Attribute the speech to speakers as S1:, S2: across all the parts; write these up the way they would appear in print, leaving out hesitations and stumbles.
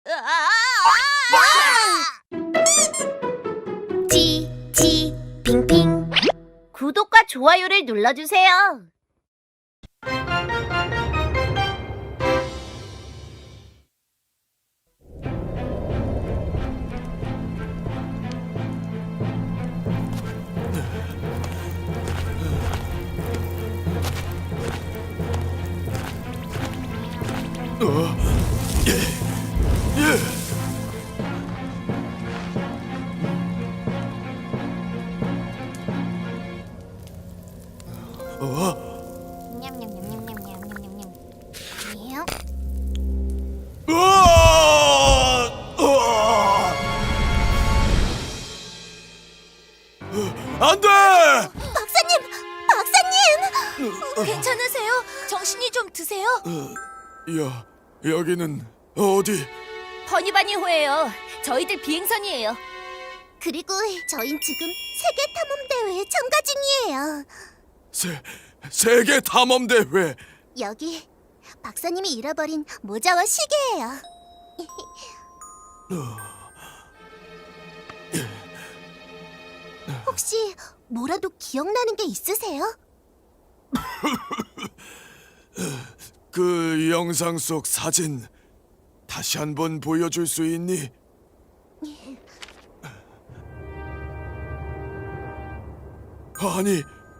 S1: 핑핑 구독과 좋아요를 눌러주세요.
S2: 냠냠냠냠냠냠냠냠냠.
S3: 안 돼!
S2: 박사님! 괜찮으세요? 정신이 좀 드세요?
S3: 여기는 어디?
S1: 버니바니호예요. 저희들 비행선이에요.
S2: 그리고 저흰 지금 세계 탐험 대회에 참가 중이에요.
S3: 세계 탐험 대회.
S2: 여기 박사님이 잃어버린 모자와 시계예요. 혹시 뭐라도 기억나는 게 있으세요?
S3: 그 영상 속 사진 다시 한번 보여줄 수 있니? 아니,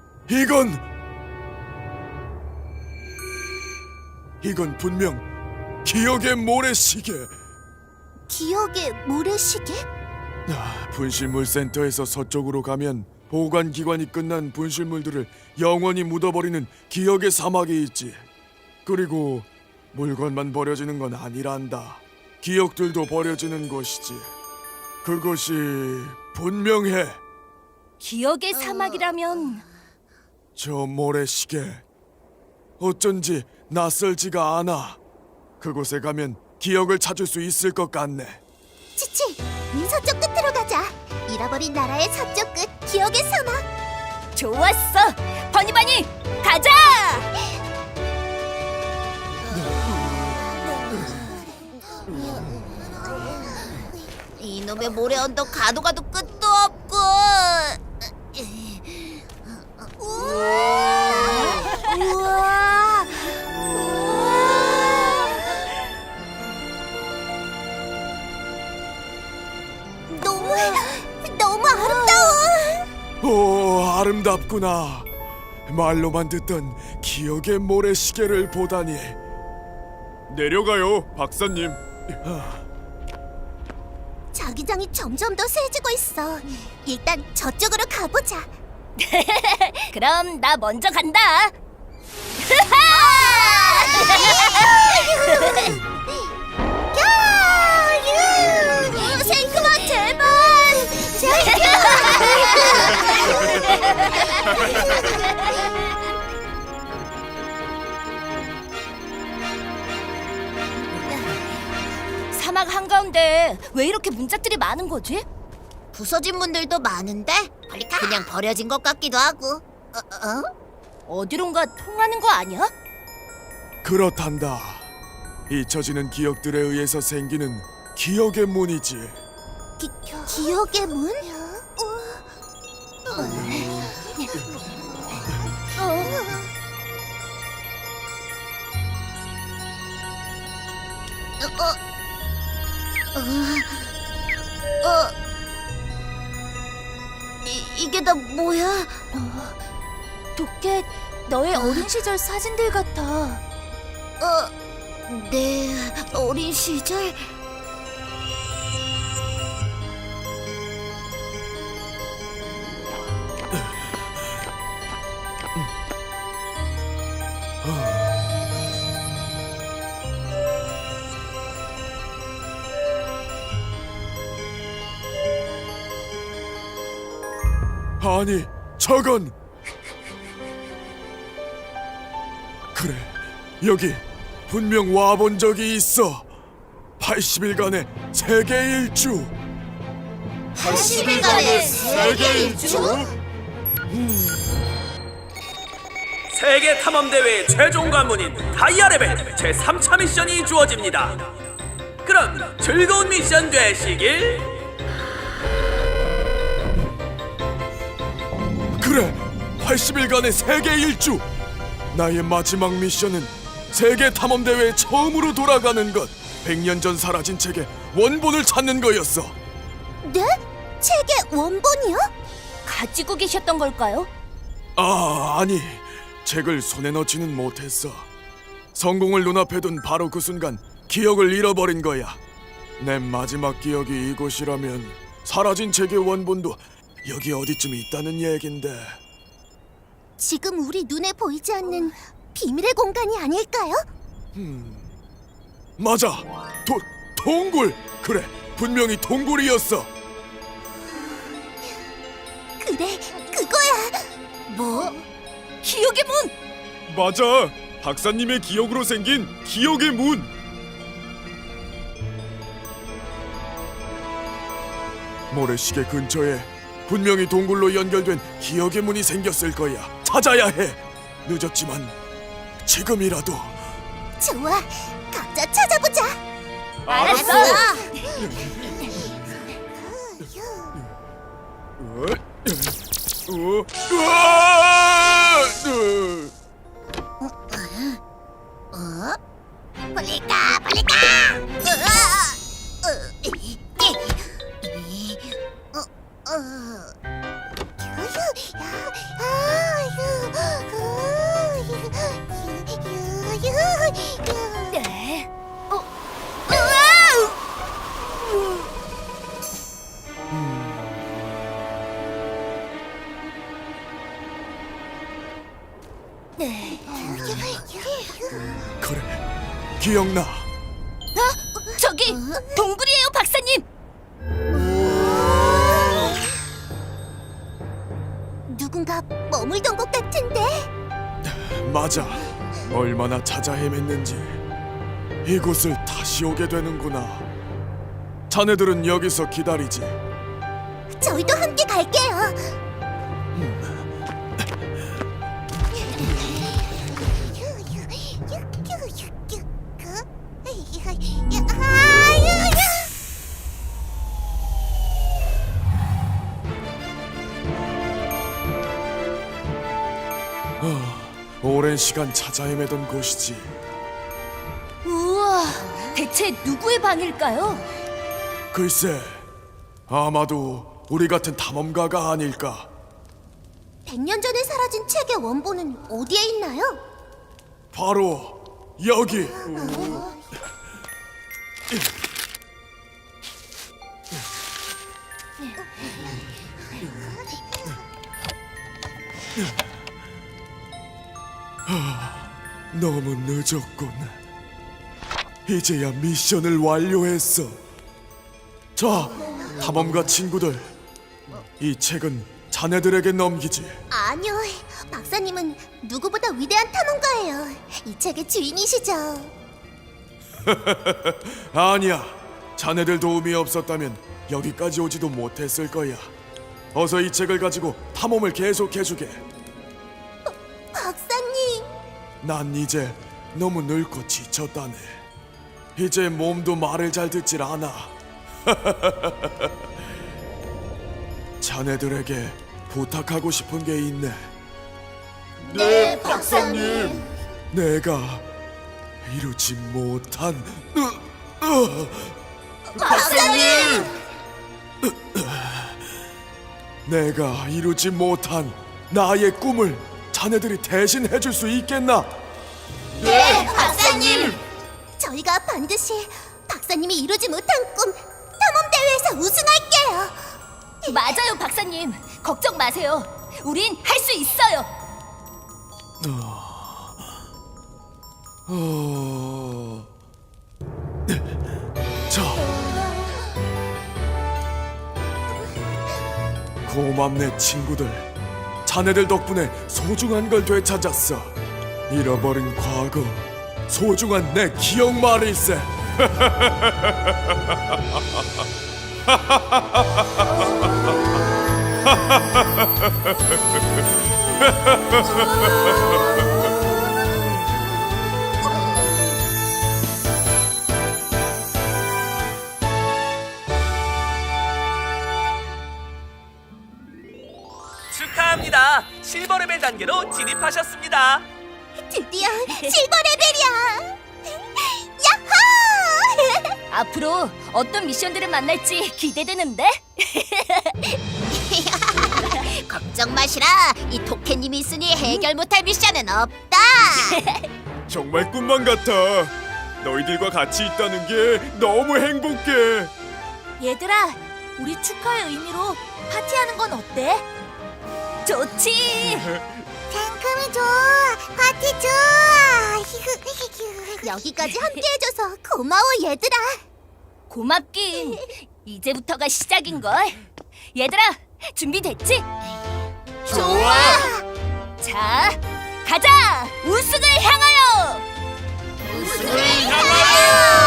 S3: 이건 분명 기억의 모래시계.
S2: 기억의 모래시계?
S3: 분실물 센터에서 서쪽으로 가면 보관기관이 끝난 분실물들을 영원히 묻어버리는 기억의 사막이 있지. 그리고 물건만 버려지는 건 아니란다. 기억들도 버려지는 것이지. 그것이 분명해.
S1: 기억의 사막이라면
S3: 저 모래시계 어쩐지 낯설지가 않아. 그곳에 가면 기억을 찾을 수 있을 것 같네.
S2: 치치, 서쪽 끝으로 가자. 잃어버린 나라의 서쪽 끝, 기억의 사막.
S1: 좋았어. 버니바니 가자.
S2: 이놈의 모래 언덕 가도 끝도 없고. 우와. 너무 아름다워.
S3: 오, 아름답구나. 말로만 듣던 기억의 모래시계를 보다니. 내려가요, 박사님.
S2: 자기장이 점점 더 세지고 있어. 일단 저쪽으로 가보자.
S1: 그럼 나 먼저 간다.
S2: 생크만 제발.
S1: 사막 한가운데 왜 이렇게 문짝들이 많은 거지?
S2: 부서진 분들도 많은데 그냥 버려진 것 같기도 하고.
S1: 어디론가 통하는 거 아니야?
S3: 그렇단다. 잊혀지는 기억들에 의해서 생기는 기억의 문이지.
S2: 기억의 문? 이게 다 뭐야?
S1: 도깨, 너의 어린 시절 사진들 같아.
S2: 내 어린 시절?
S3: 아니, 저건 그래, 여기 분명 와본 적이 있어. 80일간의 세계 일주.
S2: 80일간의 세계 일주?
S4: 세계 탐험 대회 최종 관문인 다이아 레벨 제 3차 미션이 주어집니다. 그럼 즐거운 미션 되시길.
S3: 그래, 80일간의 세계 일주. 나의 마지막 미션은 세계 탐험 대회에 처음으로 돌아가는 것. 100년 전 사라진 책의 원본을 찾는 거였어.
S2: 네? 책의 원본이요?
S1: 가지고 계셨던 걸까요?
S3: 아니, 책을 손에 넣지는 못했어. 성공을 눈앞에 둔 바로 그 순간 기억을 잃어버린 거야. 내 마지막 기억이 이곳이라면 사라진 책의 원본도 여기 어디쯤 있다는 얘긴데.
S2: 지금 우리 눈에 보이지 않는 비밀의 공간이 아닐까요?
S3: 맞아, 동굴. 그래, 분명히 동굴이었어.
S2: 그래, 그거야.
S1: 뭐? 기억의 문!
S3: 맞아, 박사님의 기억으로 생긴 기억의 문. 모래시계 근처에 분명히 동굴로 연결된 기억의 문이 생겼을 거야. 찾아야 해. 늦었지만 지금이라도.
S2: 좋아, 각자 찾아보자.
S1: 알았어.
S2: 빨리 가, 빨리 가.
S1: 네. 네.
S3: 그래, 기억나.
S1: 저기 동굴이에요, 박사님.
S2: 누군가 머물던 것 같은데.
S3: 맞아. 얼마나 찾아 헤맸는지 이곳을 다시 오게 되는구나. 자네들은 여기서 기다리지.
S2: 저희도 함께 갈게요.
S3: 오랜 시간 찾아 헤매던 곳이지.
S1: 우와, 대체 누구의 방일까요?
S3: 글쎄, 아마도 우리 같은 탐험가가 아닐까.
S2: 100년 전에 사라진 책의 원본은 어디에 있나요?
S3: 바로 여기. 너무 늦었군. 이제야 미션을 완료했어. 자, 탐험가 친구들, 이 책은 자네들에게 넘기지.
S2: 아니요, 박사님은 누구보다 위대한 탐험가예요. 이 책의 주인이시죠.
S3: 아니야, 자네들 도움이 없었다면 여기까지 오지도 못했을 거야. 어서 이 책을 가지고 탐험을 계속해주게.
S2: 박사님,
S3: 난 이제 너무 늙고 지쳤다네. 이제 몸도 말을 잘 듣질 않아. 자네들에게 부탁하고 싶은 게 있네.
S2: 네, 박사님.
S3: 내가 이루지 못한
S2: 박사님!
S3: 내가 이루지 못한 나의 꿈을 자네들이 대신 해줄 수 있겠나?
S2: 네, 박사님! 저희가 반드시 박사님이 이루지 못한 꿈 탐험대회에서 우승할게요.
S1: 맞아요, 박사님. 걱정 마세요. 우린 할 수 있어요.
S3: 자, 고맙네 친구들. 자네들 덕분에 소중한 걸 되찾았어. 잃어버린 과거, 소중한 내 기억 말일세.
S4: 축하합니다. 실버 레벨 단계로 진입하셨습니다.
S2: 드디어 실버 레벨이야. 야호!
S1: 앞으로 어떤 미션들을 만날지 기대되는데?
S2: 걱정 마시라. 이 토끼님이 있으니 해결 못할 미션은 없다.
S3: 정말 꿈만 같아. 너희들과 같이 있다는 게 너무 행복해.
S1: 얘들아, 우리 축하의 의미로 파티하는 건 어때? 좋지!
S2: 상큼이 좋아. 파티 좋아. 여기까지 함께해줘서 고마워 얘들아.
S1: 고맙긴. 이제부터가 시작인걸. 얘들아, 준비됐지?
S2: 좋아.
S1: 자, 가자! 우승을 향하여!
S2: 우승을 향하여.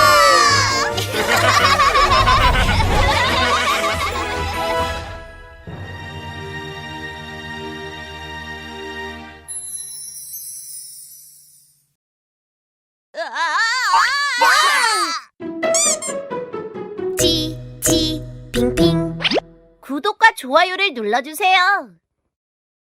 S2: 지 빙빙 구독과 좋아요를 눌러주세요.